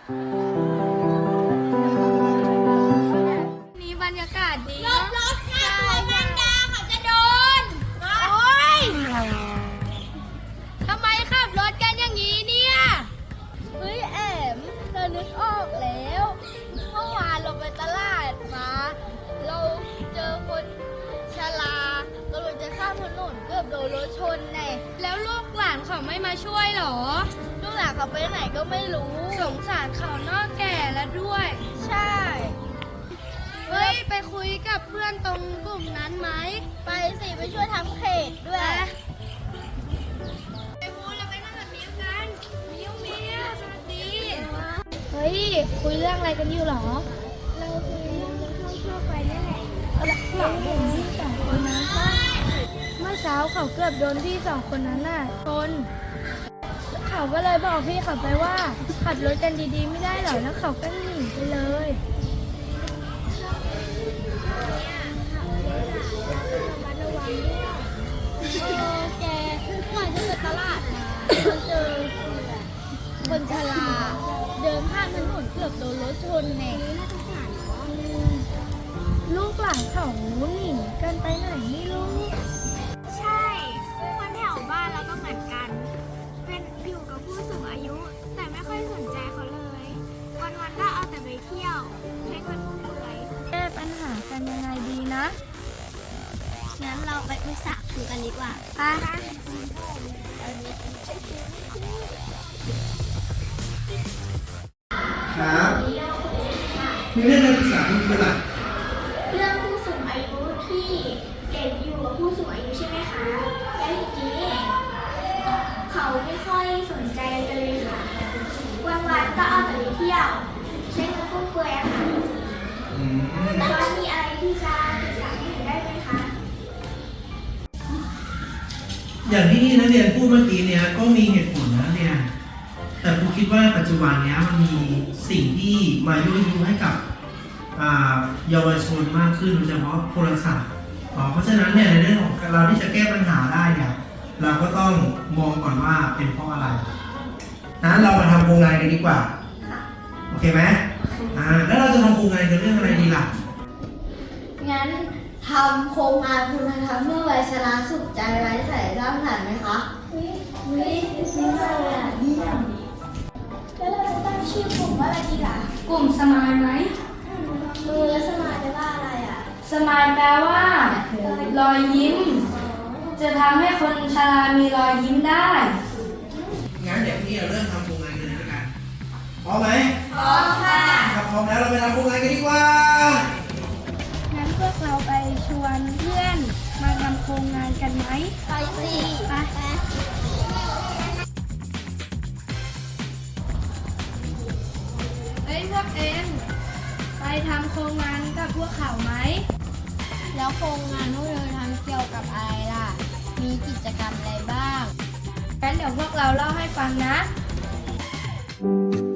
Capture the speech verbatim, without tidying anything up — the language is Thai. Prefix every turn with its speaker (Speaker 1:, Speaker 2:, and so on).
Speaker 1: นี่บรรยากาศดี
Speaker 2: รถรถค่ะตัวมันดาเขาจะโดนโอ๊ยทำไมขับรถกันอย่างนี้เนี่ยเฮ้ยแอมเรานึกออกแล้วเมื่อวานเราไปตลาดมา เราเจอคนชราก็เลยจะข้ามถนนเกือบโดนรถชนแน่
Speaker 1: แล้วลูกหลานเขาไม่มาช่วยเหรอ
Speaker 2: ลูกหลานเขาไปไหนก็ไม่รู้
Speaker 1: สงสารเขานอกแก่แล้วด้วย
Speaker 2: ใช่
Speaker 1: เฮ้ย ไปคุยกับเพื่อนตรงกลุ่มนั้นไหม
Speaker 2: ไปสิไปช่วยทำเขตด้วย
Speaker 1: ไปพูดแล้วไปนั่งกับมิวกันมิวมิวสวัสดี
Speaker 2: เฮ้ยคุยเรื่องอะไรกันอยู่หรอ เราคุยเรื่องจะเข้าทั่วไปนี่แหละหลังผมที่สองคนนั้นป่ะเมื่อเช้าเขาเกือบโดนพี่สองคนนั้นน่ะชนเขาก็เลยบอกพี่เขาไปว่าขับรถกันดีๆไม่ได้หรอแล้วเขาก็หนีไปเลยโอ้แกเมื่อจะไปตลาดมาเจอคนชราเดินข้ามถนนเกือบโดนรถชนแน่ลูกหลานเขาหนีกันไปไหนไม่รู้
Speaker 3: ใช่คนแถวบ้านเราก็เหมือนกัน เป็นอยู่กับผู้สูงอายุ แต่ไม่ค่อยสนใจเขาเลย วันๆก็เอาแต่ไปเที่ยว ใช้เงินฟุ่มเฟือย
Speaker 2: แก้ปัญหากันยังไงดีนะ
Speaker 3: งั้นเราไปปรึกษาครูกันดีกว่า
Speaker 2: ไป
Speaker 4: ครับมีเรื่องอะไรปรึกษาคุณครูล่ะ
Speaker 3: เรื่องผู้สูงอายุที่เด็กอยู่กับผู้สูงอายุใช่ไหมคะ แล้วทีนี้เขาไม่ค่อยสนใจกันเลยค่ะ วันๆก็เอาแต่ไปเที่ยว ใช้เงินฟุ่มเฟือยอะค่ะ
Speaker 4: อืม
Speaker 3: แล้วมีอะไรที่จะปรึกษาให้หนูได้ไหมคะ
Speaker 4: อย่างที่นักเรียนพูดเมื่อกี้เนี้ยก็มีเหตุผลนะนักเรียนแต่ครูคิดว่าปัจจุบันเนี้ยมันมีสิ่งที่มายั่วยุให้กับอ่าเยาวชนมากขึ้นโดยเฉพาะโทรศัพท์อ๋อเพราะฉะนั้นเนี่ยในเรื่องของเราที่จะแก้ปัญหาได้เนี่ยเราก็ต้องมองก่อนว่าเป็นเพราะอะไรนั้นเรามาทำโครงงานกันดีกว่าโอเคไหมอ่าแล้วเราจะทำโครงงานกันเรื่องอะไรดีล่ะ
Speaker 2: งั้นทำโครงงานคุณธรรมเมื่อวัยชราสุขใจไร้สายสร้างสรรค์ไหมคะวิวิวิเลยอ่ะเยี่ยม
Speaker 3: แล้วเราจะตั้งชื่อกลุ่มว่าอะไรดีล่ะ
Speaker 1: กลุ่มสมายไหม
Speaker 3: มือแล้วสมาจะว่าอะไรอ่ะ
Speaker 1: สมายแปลว่า รอยยิ้ม จะทำให้คนชรามีรอยยิ้มได้
Speaker 4: งั้นเดี๋ยวพี่เราเริ่มทำโครงงานกันเลยแล้วกันพร้อมไหม
Speaker 2: พร้อมค่ะ
Speaker 4: ถ้าพร้อมแล้วเราไปทำโครงงานกันดีกว่า
Speaker 2: งั้นพวกเราไปชวนเพื่อนมาทำโครงงานกันไหมไปสิไป
Speaker 1: เฮ้ยพวกเอ็นไปทำโครงงานกับพวกเขาไหม
Speaker 2: แล้วโครงงานพวกเราทำเกี่ยวกับอะไรล่ะ มีกิจกรรมอะไรบ้าง
Speaker 1: งั้นเดี๋ยวพวกเราเล่าให้ฟังนะ
Speaker 2: เ